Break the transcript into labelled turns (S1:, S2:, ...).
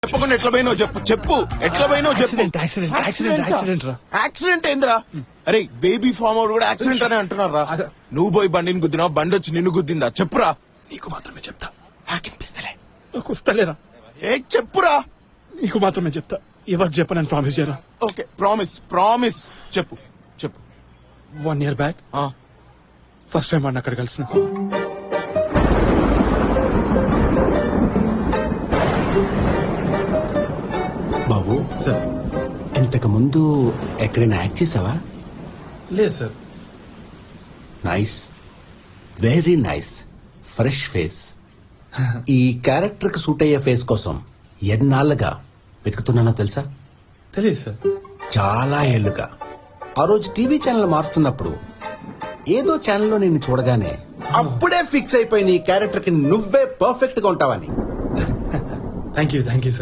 S1: చెప్పకుండా ఎట్లా పోయినావు చెప్పు చెప్పు ఎట్లా పోయినావు చెప్పు.
S2: యాక్సిడెంట్ రా.
S1: యాక్సిడెంట్ ఏందిరా? అరే బేబీ ఫామ్ అవుట్ కూడా యాక్సిడెంట్ అనే అంటున్నారా? నువ్వు పోయి బండిని గుద్దినావు, బండి వచ్చి నిన్ను గుద్దిందా? చెప్పురా.
S2: నీకు మాత్రమే చెప్తా.
S1: నాకినిపిస్తలే.
S2: నాకు వస్తలేరా?
S1: ఏ చెప్పురా.
S2: నీకు మాత్రమే చెప్తా. ఎవరు చెప్పనని ప్రామిస్ చేయరా?
S1: ఓకే ప్రామిస్ ప్రామిస్ చెప్పు చెప్పు.
S2: 1 year బ్యాక్ ఫస్ట్ టైం వాడిని అక్కడ కలిసిన.
S3: బాబు
S2: సార్
S3: ఇంతకు ముందు ఎక్కడైనా యాక్ట్ చేసావా?
S2: లేదు sir.
S3: Nice, very nice, fresh face. ఈ క్యారెక్టర్ కి సూట్ అయ్యే ఫేస్ కోసం ఎన్నాళ్ళుగా వెతుకుతున్నానో తెలుసా?
S2: తెలియదు సార్.
S3: చాలా ఏళ్లుగా. ఆ రోజు టీవీ ఛానల్ మారుతున్నప్పుడు ఏదో ఛానల్లో నిన్ను చూడగానే అప్పుడే ఫిక్స్ అయిపోయిన ఈ క్యారెక్టర్ కి నువ్వే పర్ఫెక్ట్ గా ఉంటావని.
S2: Thank you sir.